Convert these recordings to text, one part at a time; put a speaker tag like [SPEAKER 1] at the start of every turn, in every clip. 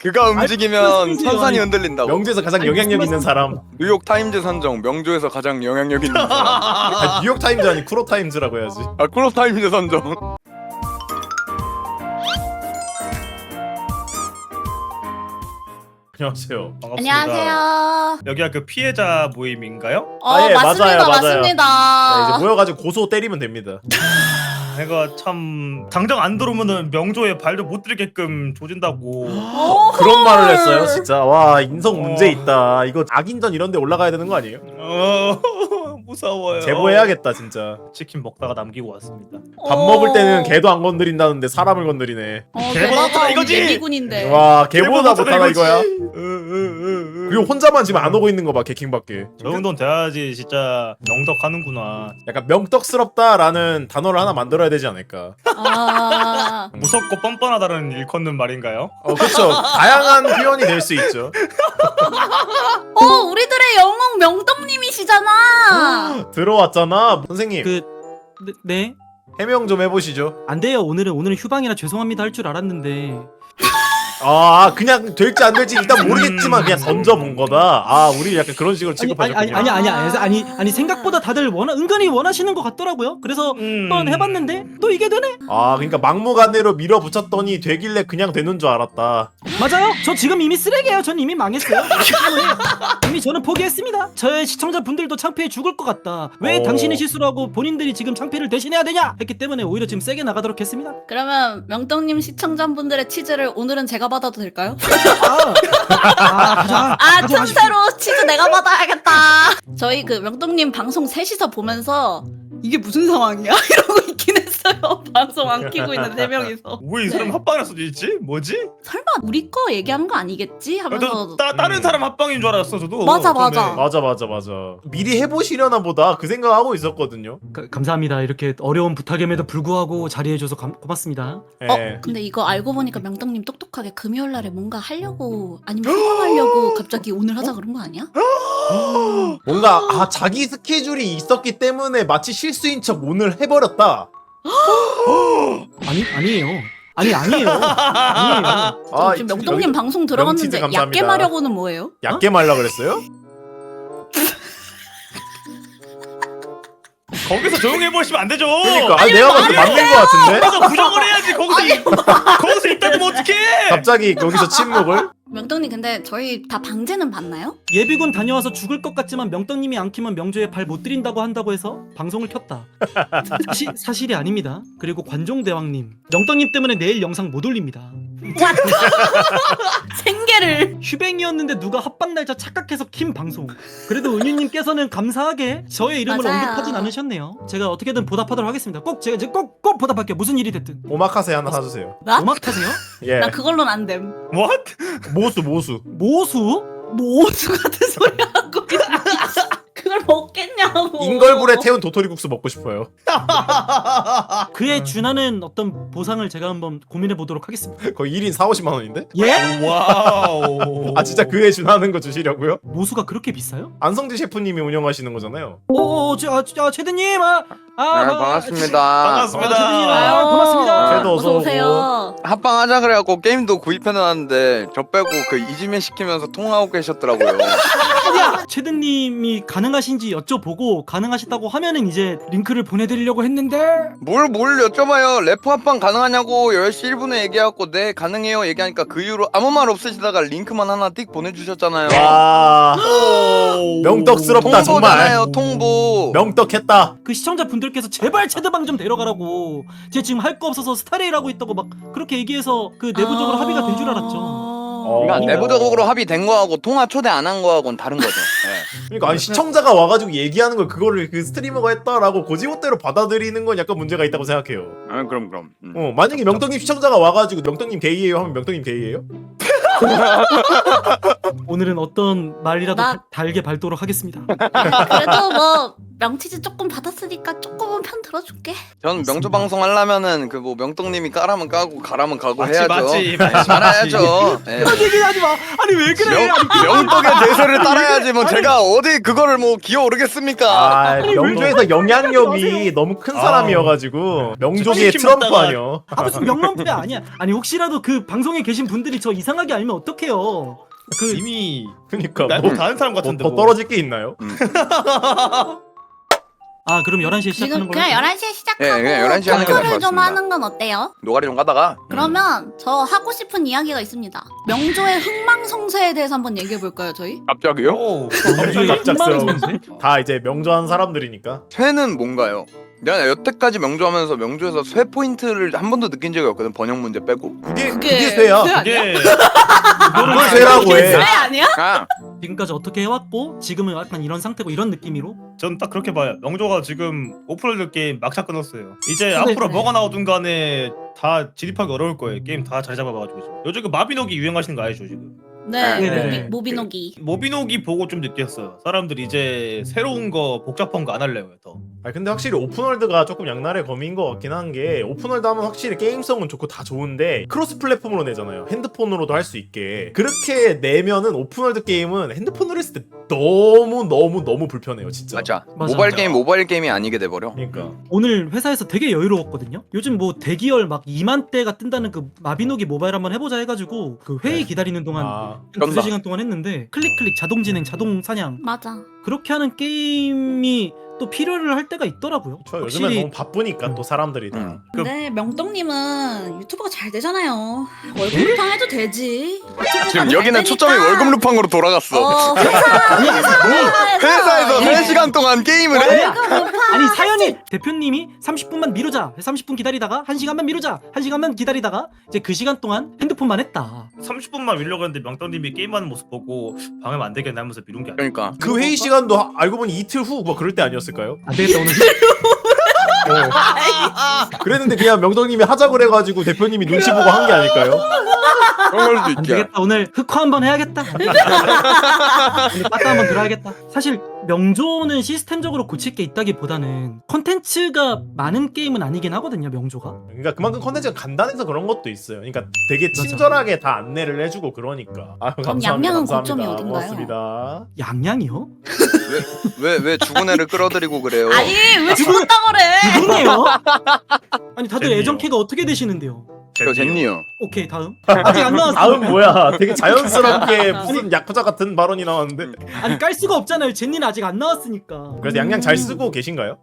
[SPEAKER 1] 그가 움직이면 선산이 흔들린다고.
[SPEAKER 2] 명조에서 가장 영향력 있는 사람.
[SPEAKER 1] 뉴욕 타임즈 선정 명조에서 가장 영향력 있는 사람.
[SPEAKER 2] 아, 뉴욕 타임즈 아니 쿠로 타임즈라고 해야지.
[SPEAKER 1] 아 쿨업 타임즈 선정.
[SPEAKER 2] 안녕하세요.
[SPEAKER 3] 반갑습니다.
[SPEAKER 4] 안녕하세요.
[SPEAKER 3] 여기가 그 피해자 모임인가요?
[SPEAKER 2] 예,
[SPEAKER 4] 맞습니다.
[SPEAKER 2] 맞아요.
[SPEAKER 4] 맞습니다.
[SPEAKER 2] 네, 이제 모여가지고 고소 때리면 됩니다.
[SPEAKER 3] 이거 참 당장 안 들어오면은 명조에 발도 못 들게끔 조진다고.
[SPEAKER 2] 그런 말을 했어요, 진짜. 와, 인성 문제 있다. 이거 악인전 이런 데 올라가야 되는 거 아니에요?
[SPEAKER 3] 무서워요.
[SPEAKER 2] 제보해야겠다, 진짜.
[SPEAKER 3] 치킨 먹다가 남기고 왔습니다.
[SPEAKER 2] 밥 먹을 때는 개도 안 건드린다는데 사람을 건드리네.
[SPEAKER 3] 개보다 이거지?
[SPEAKER 4] 예비군인데.
[SPEAKER 2] 와, 개보다 못하다
[SPEAKER 3] 이거지?
[SPEAKER 2] 이거야. 그리고 혼자만 지금 안 오고 있는 거 봐, 개킹밖에.
[SPEAKER 3] 저 정도는 돼야지 진짜 명덕하는구나.
[SPEAKER 2] 약간 명떡스럽다라는 단어를 하나 만들어야 되지 않을까.
[SPEAKER 3] 무섭고 뻔뻔하다는 일컫는 말인가요?
[SPEAKER 2] 그쵸. 다양한 표현이 될 수 있죠.
[SPEAKER 4] 우리들의 영웅 명떡님이시잖아.
[SPEAKER 2] 들어왔잖아. 선생님,
[SPEAKER 5] 네?
[SPEAKER 2] 해명 좀 해보시죠.
[SPEAKER 5] 안 돼요. 오늘은 휴방이라 죄송합니다 할 줄 알았는데.
[SPEAKER 2] 그냥 될지 안 될지 일단 모르겠지만 그냥 던져본 거다. 우리 약간 그런 식으로 취급하셨군요.
[SPEAKER 5] 아니 생각보다 다들 은근히 원하시는 것 같더라고요. 그래서 한번 해봤는데 또 이게 되네.
[SPEAKER 2] 그러니까 막무가내로 밀어붙였더니 되길래 그냥 되는 줄 알았다.
[SPEAKER 5] 맞아요. 저 지금 이미 쓰레기예요. 전 이미 망했어요. 이미 저는 포기했습니다. 저의 시청자분들도 창피해 죽을 것 같다. 왜 당신이 실수를 하고 본인들이 지금 창피를 대신해야 되냐 했기 때문에 오히려 지금 세게 나가도록 했습니다.
[SPEAKER 4] 그러면 명떡님 시청자분들의 치즈를 오늘은 제가 받아도 될까요?
[SPEAKER 5] 가자.
[SPEAKER 4] 틈새로 치즈 내가 받아야겠다. 저희 그 명떡님 방송 셋이서 보면서 이게 무슨 상황이야? 이러고 있긴 했어요. 방송 안 키고 있는 3명이서.
[SPEAKER 3] 왜 이 사람 합방할 수도 있지? 뭐지?
[SPEAKER 4] 설마 우리 거 얘기하는 거 아니겠지? 하면서
[SPEAKER 3] 다른 사람 합방인 줄 알았어 저도.
[SPEAKER 4] 맞아.
[SPEAKER 2] 맞아. 미리 해보시려나 보다 그 생각하고 있었거든요.
[SPEAKER 5] 감사합니다. 이렇게 어려운 부탁임에도 불구하고 자리해줘서 고맙습니다.
[SPEAKER 2] 예.
[SPEAKER 4] 근데 이거 알고 보니까 명떡님 똑똑하게 금요일날에 뭔가 하려고 아니면 소감하려고 갑자기 오늘 하자 그런 거 아니야?
[SPEAKER 2] 뭔가 자기 스케줄이 있었기 때문에 마치 실수인 척 오늘 해버렸다.
[SPEAKER 5] 아니에요. 아니에요.
[SPEAKER 4] 지금 명떡님 방송 들어갔는데
[SPEAKER 2] 명치즈 감사합니다.
[SPEAKER 4] 얕게 마려고는 뭐예요?
[SPEAKER 2] 얕게 말라 그랬어요?
[SPEAKER 3] 거기서 조용히 해보시면 안 되죠.
[SPEAKER 2] 그러니까 내가 봐도 맞는 거 같은데?
[SPEAKER 3] 거기서 부정을 해야지. 거기서 있다면 어떡해?
[SPEAKER 2] 갑자기 거기서 침묵을?
[SPEAKER 4] 명떡님 근데 저희 다 방제는 봤나요?
[SPEAKER 5] 예비군 다녀와서 죽을 것 같지만 명떡님이 안 키면 명조에 발 못 들인다고 한다고 해서 방송을 켰다. 사실이 아닙니다. 그리고 관종대왕님, 명떡님 때문에 내일 영상 못 올립니다.
[SPEAKER 4] 생계를
[SPEAKER 5] 휴뱅이었는데 누가 합방 날짜 착각해서 킨 방송. 그래도 은유님께서는 감사하게 저의 이름을
[SPEAKER 4] 맞아요.
[SPEAKER 5] 언급하진 않으셨네요. 제가 어떻게든 보답하도록 하겠습니다. 제가 이제 꼭 보답할게요. 무슨 일이 됐든.
[SPEAKER 2] 오마카세 하나 사주세요.
[SPEAKER 4] 나?
[SPEAKER 5] 오마카세요?
[SPEAKER 2] 예.
[SPEAKER 4] 나 그걸로는 안 됨.
[SPEAKER 3] What?
[SPEAKER 2] 모수.
[SPEAKER 5] 모수?
[SPEAKER 4] 모수 같은 소리 하고 그걸 먹겠냐고.
[SPEAKER 2] 인걸불에 태운 도토리국수 먹고 싶어요.
[SPEAKER 5] 그에 준하는 어떤 보상을 제가 한번 고민해 보도록 하겠습니다.
[SPEAKER 2] 거의 1인 4-50만 원인데?
[SPEAKER 5] 예?
[SPEAKER 3] 와우.
[SPEAKER 2] 진짜 그에 준하는 거 주시려고요?
[SPEAKER 5] 모수가 그렇게 비싸요?
[SPEAKER 2] 안성재 셰프님이 운영하시는 거잖아요.
[SPEAKER 5] 최드님,
[SPEAKER 1] 반갑습니다.
[SPEAKER 3] 반갑습니다.
[SPEAKER 5] 최드님, 고맙습니다.
[SPEAKER 2] 쟤도
[SPEAKER 4] 어서 오세요.
[SPEAKER 1] 합방하자 그래갖고 게임도 구입해놨는데 저 빼고 그 이지면 시키면서 통화하고 계셨더라고요.
[SPEAKER 5] 최드님이 가능하신지 여쭤보고 가능하시다고 하면은 이제 링크를 보내드리려고 했는데
[SPEAKER 1] 뭘 여쭤봐요. 래퍼 합방 가능하냐고 10시 1분에 얘기하고 네 가능해요 얘기하니까 그 이후로 아무 말 없으시다가 링크만 하나 띡 보내주셨잖아요.
[SPEAKER 2] 와, 명떡스럽다 정말.
[SPEAKER 1] 통보잖아요 통보.
[SPEAKER 2] 명떡했다.
[SPEAKER 5] 그 시청자분들께서 제발 체드방 좀 데려가라고 제가 지금 할 거 없어서 스타레일 하고 있다고 막 그렇게 얘기해서 그 내부적으로 합의가 된 줄 알았죠.
[SPEAKER 1] 그러니까 내부적으로 합의된 거하고 통화 초대 안 한 거하고는 다른 거죠. 네.
[SPEAKER 2] 그러니까 아니 시청자가 와가지고 얘기하는 걸 그거를 그 스트리머가 했다라고 고지고대로 받아들이는 건 약간 문제가 있다고 생각해요.
[SPEAKER 1] 그럼.
[SPEAKER 2] 만약에 명떡님 시청자가 와가지고 명떡님 게이예요 하면 명떡님 게이예요?
[SPEAKER 5] 오늘은 어떤 말이라도
[SPEAKER 4] 나-
[SPEAKER 5] 달게 밟도록 하겠습니다.
[SPEAKER 4] 그래도 뭐 명치즈 조금 받았으니까 조금은 편 들어줄게.
[SPEAKER 1] 전 명조 방송 하려면은 그 뭐 명떡님이 까라면 까고 가라면 가고
[SPEAKER 3] 맞지,
[SPEAKER 1] 해야죠.
[SPEAKER 3] 맞지,
[SPEAKER 1] 네,
[SPEAKER 3] 맞지,
[SPEAKER 1] 따라야죠. 네.
[SPEAKER 5] 그런 얘기 하지 마. 아니 왜 그래?
[SPEAKER 1] 명떡의 대세를 따라야지 뭐 제가 어디 그거를 뭐 기어오르겠습니까?
[SPEAKER 2] 아 명조에서 영향력이
[SPEAKER 5] 마세요.
[SPEAKER 2] 너무 큰 사람이어가지고 명조계의
[SPEAKER 3] 치킨
[SPEAKER 2] 트럼프
[SPEAKER 3] 먹다가
[SPEAKER 2] 아니야.
[SPEAKER 5] 아 무슨 명랑부대 아니야. 아니 혹시라도 그 방송에 계신 분들이 저 이상하게 알면 어떡해요. 그
[SPEAKER 3] 이미
[SPEAKER 2] 그니까
[SPEAKER 3] 날
[SPEAKER 2] 뭐,
[SPEAKER 3] 다른 사람 같은데
[SPEAKER 2] 더
[SPEAKER 3] 뭐.
[SPEAKER 2] 떨어질 게 있나요?
[SPEAKER 5] 아 그럼 11시에 시작하는
[SPEAKER 4] 지금
[SPEAKER 5] 걸로.
[SPEAKER 4] 그냥 11시에 시작하고
[SPEAKER 1] 예, 그냥 11시 하는 게 나을 것
[SPEAKER 4] 토크를 좀
[SPEAKER 1] 같습니다.
[SPEAKER 4] 하는 건 어때요?
[SPEAKER 1] 노가리 좀 가다가
[SPEAKER 4] 그러면 저 하고 싶은 이야기가 있습니다. 명조의 흥망성쇠에 대해서 한번 얘기해 볼까요, 저희?
[SPEAKER 1] 갑자기요?
[SPEAKER 3] 오,
[SPEAKER 5] 명조의
[SPEAKER 2] 갑작스러워.
[SPEAKER 5] 흥망성쇠?
[SPEAKER 2] 다 이제 명조한 사람들이니까.
[SPEAKER 1] 쇠는 뭔가요? 내가 여태까지 명조하면서 명조에서 쇠 포인트를 한 번도 느낀 적이 없거든. 번역 문제 빼고.
[SPEAKER 2] 그게 쇠야.
[SPEAKER 4] 쇠 아니야?
[SPEAKER 3] 이게
[SPEAKER 2] 그걸 쇠라고
[SPEAKER 4] 이게 쇠
[SPEAKER 2] 해.
[SPEAKER 4] 아니야?
[SPEAKER 1] 아,
[SPEAKER 5] 지금까지 어떻게 해왔고 지금은 약간 이런 상태고 이런 느낌으로.
[SPEAKER 3] 전 딱 그렇게 봐요. 명조가 지금 오픈월드 게임 막차 끊었어요. 이제
[SPEAKER 5] 네,
[SPEAKER 3] 앞으로
[SPEAKER 5] 네.
[SPEAKER 3] 뭐가 나오든 간에 다 진입하기 어려울 거예요. 게임 다 자리 잡아봐가지고 지금. 요즘 그 마비노기 유행하시는 거 알죠 지금?
[SPEAKER 4] 네,
[SPEAKER 5] 네.
[SPEAKER 4] 모비노기.
[SPEAKER 3] 모비노기 보고 좀 느꼈어요. 사람들이 이제 새로운 거 복잡한 거 안 할래요 더.
[SPEAKER 2] 아 근데 확실히 오픈월드가 조금 양날의 검인 것 같긴 한 게 오픈월드 하면 확실히 게임성은 좋고 다 좋은데 크로스 플랫폼으로 내잖아요. 핸드폰으로도 할 수 있게. 그렇게 내면은 오픈월드 게임은 핸드폰으로 했을 때 너무 불편해요 진짜.
[SPEAKER 1] 맞아.
[SPEAKER 5] 맞아.
[SPEAKER 1] 모바일 게임이 아니게 돼 버려.
[SPEAKER 2] 그러니까
[SPEAKER 5] 오늘 회사에서 되게 여유로웠거든요. 요즘 뭐 대기열 막 2만 대가 뜬다는 그 마비노기 모바일 한번 해보자 해가지고 그 회의 기다리는 동안
[SPEAKER 2] 아
[SPEAKER 5] 한
[SPEAKER 1] 그런다.
[SPEAKER 5] 두세 시간 동안 했는데 클릭 자동 진행 자동 사냥
[SPEAKER 4] 맞아.
[SPEAKER 5] 그렇게 하는 게임이 또 필요를 할 때가 있더라고요.
[SPEAKER 2] 저 요즘엔 너무 바쁘니까 또 사람들이 다.
[SPEAKER 1] 음.
[SPEAKER 4] 근데 명떡님은 유튜버가 잘 되잖아요. 월급 루팡 해도 되지.
[SPEAKER 1] 지금 여기는 초점이 월급 루팡으로 돌아갔어. 회사에서 3시간 동안 게임을 해?
[SPEAKER 4] 월급 루팡.
[SPEAKER 5] 아니 사연이 대표님이 30분만 미루자 30분 기다리다가 1시간만 미루자 1시간만 기다리다가 이제 그 시간 동안 핸드폰만 했다.
[SPEAKER 3] 30분만 밀려고 했는데 명떡님이 게임하는 모습 보고 방해면 안 되겠나 하면서 미룬 게 아니야.
[SPEAKER 1] 그러니까
[SPEAKER 2] 그 회의 시간도 알고 보니 이틀 후 뭐 그럴 때 아니었을까요?
[SPEAKER 5] 안 되겠다 오늘.
[SPEAKER 2] 그랬는데 그냥 명덕님이 하자 그래가지고 대표님이 눈치 보고 한 게 아닐까요?
[SPEAKER 1] 그런 걸 수도
[SPEAKER 5] 안
[SPEAKER 1] 있지.
[SPEAKER 5] 되겠다 오늘 흑화 한번 해야겠다. 오늘 빠따 한번 들어야겠다. 사실 명조는 시스템적으로 고칠 게 있다기보다는 컨텐츠가 많은 게임은 아니긴 하거든요 명조가.
[SPEAKER 2] 그러니까 그만큼 컨텐츠가 간단해서 그런 것도 있어요. 그러니까 되게 친절하게 다 안내를 해주고 그러니까. 아유, 감사합니다.
[SPEAKER 4] 양양은
[SPEAKER 2] 감사합니다.
[SPEAKER 4] 고점이 어딘가요?
[SPEAKER 2] 고맙습니다.
[SPEAKER 5] 양양이요?
[SPEAKER 1] 왜 죽은 애를 끌어들이고 그래요?
[SPEAKER 4] 아니 왜 죽었다 그래?
[SPEAKER 5] 누구예요? 아니 다들
[SPEAKER 3] 젠니요.
[SPEAKER 5] 애정캐가 어떻게 되시는데요?
[SPEAKER 1] 저 젠니요.
[SPEAKER 5] 오케이 다음. 아직 안 나왔어.
[SPEAKER 2] 다음 뭐야? 되게 자연스럽게 무슨 야쿠자 같은 발언이 나왔는데.
[SPEAKER 5] 아니 깔 수가 없잖아요. 젠니는 아직 안 나왔으니까.
[SPEAKER 2] 그래서 양양 잘 쓰고 계신가요?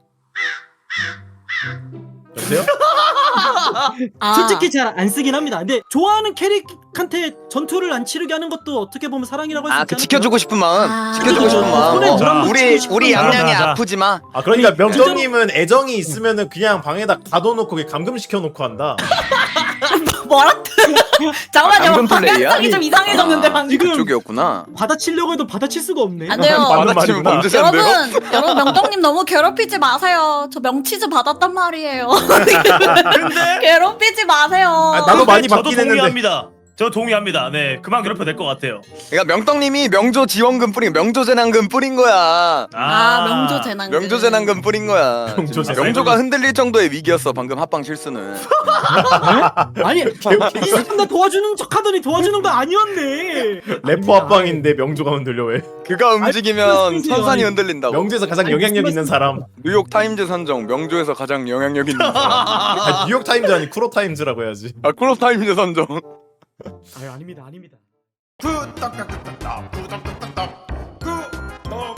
[SPEAKER 2] 여보세요?
[SPEAKER 4] 아,
[SPEAKER 5] 솔직히 잘 안 쓰긴 합니다. 근데 좋아하는 캐릭한테 전투를 안 치르게 하는 것도 어떻게 보면 사랑이라고 할 수
[SPEAKER 1] 아,
[SPEAKER 5] 있지
[SPEAKER 1] 그
[SPEAKER 5] 않을까요?
[SPEAKER 1] 지켜주고 싶은 마음.
[SPEAKER 4] 아.
[SPEAKER 1] 지켜주고 싶은 마음.
[SPEAKER 5] 손에 드럼 붙이고
[SPEAKER 1] 우리
[SPEAKER 5] 싶은
[SPEAKER 1] 양양이
[SPEAKER 3] 마음.
[SPEAKER 1] 아프지 마.
[SPEAKER 2] 아 그러니까
[SPEAKER 5] 아니,
[SPEAKER 2] 명정님은 애정이 있으면은 그냥 방에다 가둬놓고 감금 시켜놓고 한다.
[SPEAKER 4] 뭐라? 잠깐만요.
[SPEAKER 1] 감금 플레이야?
[SPEAKER 4] 방향성이 좀 이상해졌는데 방금.
[SPEAKER 5] 지금-
[SPEAKER 1] 그쪽이었구나.
[SPEAKER 5] 받아치려고 해도 받아칠 수가 없네.
[SPEAKER 4] 안 돼요.
[SPEAKER 2] 맞는
[SPEAKER 1] 받아치면
[SPEAKER 2] 말이구나.
[SPEAKER 1] 범죄자인데요?
[SPEAKER 4] 여러분 명떡님 너무 괴롭히지 마세요. 저 명치즈 받았단 말이에요.
[SPEAKER 3] 근데
[SPEAKER 4] 괴롭히지 마세요.
[SPEAKER 2] 아, 나도 많이
[SPEAKER 3] 저도
[SPEAKER 2] 받긴 했는데.
[SPEAKER 3] 동의합니다. 저 동의합니다. 네, 그만 괴롭혀 될 것 같아요.
[SPEAKER 1] 그러니까 명떡님이 명조 지원금 뿌린 명조 재난금 뿌린 거야.
[SPEAKER 4] 아 명조 재난금.
[SPEAKER 1] 명조 재난금 뿌린 거야.
[SPEAKER 2] 명조
[SPEAKER 1] 지금
[SPEAKER 2] 재난금.
[SPEAKER 1] 명조가 흔들릴 정도의 위기였어. 방금 합방 실수는.
[SPEAKER 5] 아니 이 사람 나 도와주는 척하더니 도와주는 거 아니었네.
[SPEAKER 2] 래퍼 합방인데 명조가 흔들려 왜?
[SPEAKER 1] 그가 움직이면
[SPEAKER 5] 무슨
[SPEAKER 1] 선산이
[SPEAKER 5] 아니,
[SPEAKER 1] 흔들린다고.
[SPEAKER 2] 명조에서 가장 영향력 있는 사람.
[SPEAKER 1] 뉴욕 타임즈 선정 명조에서 가장 영향력 있는 사람.
[SPEAKER 2] 아, 뉴욕 타임즈 아니 쿠로 타임즈라고 해야지.
[SPEAKER 1] 아 쿨 타임즈 선정.
[SPEAKER 5] 아유 아닙니다 아닙니다.
[SPEAKER 2] 구독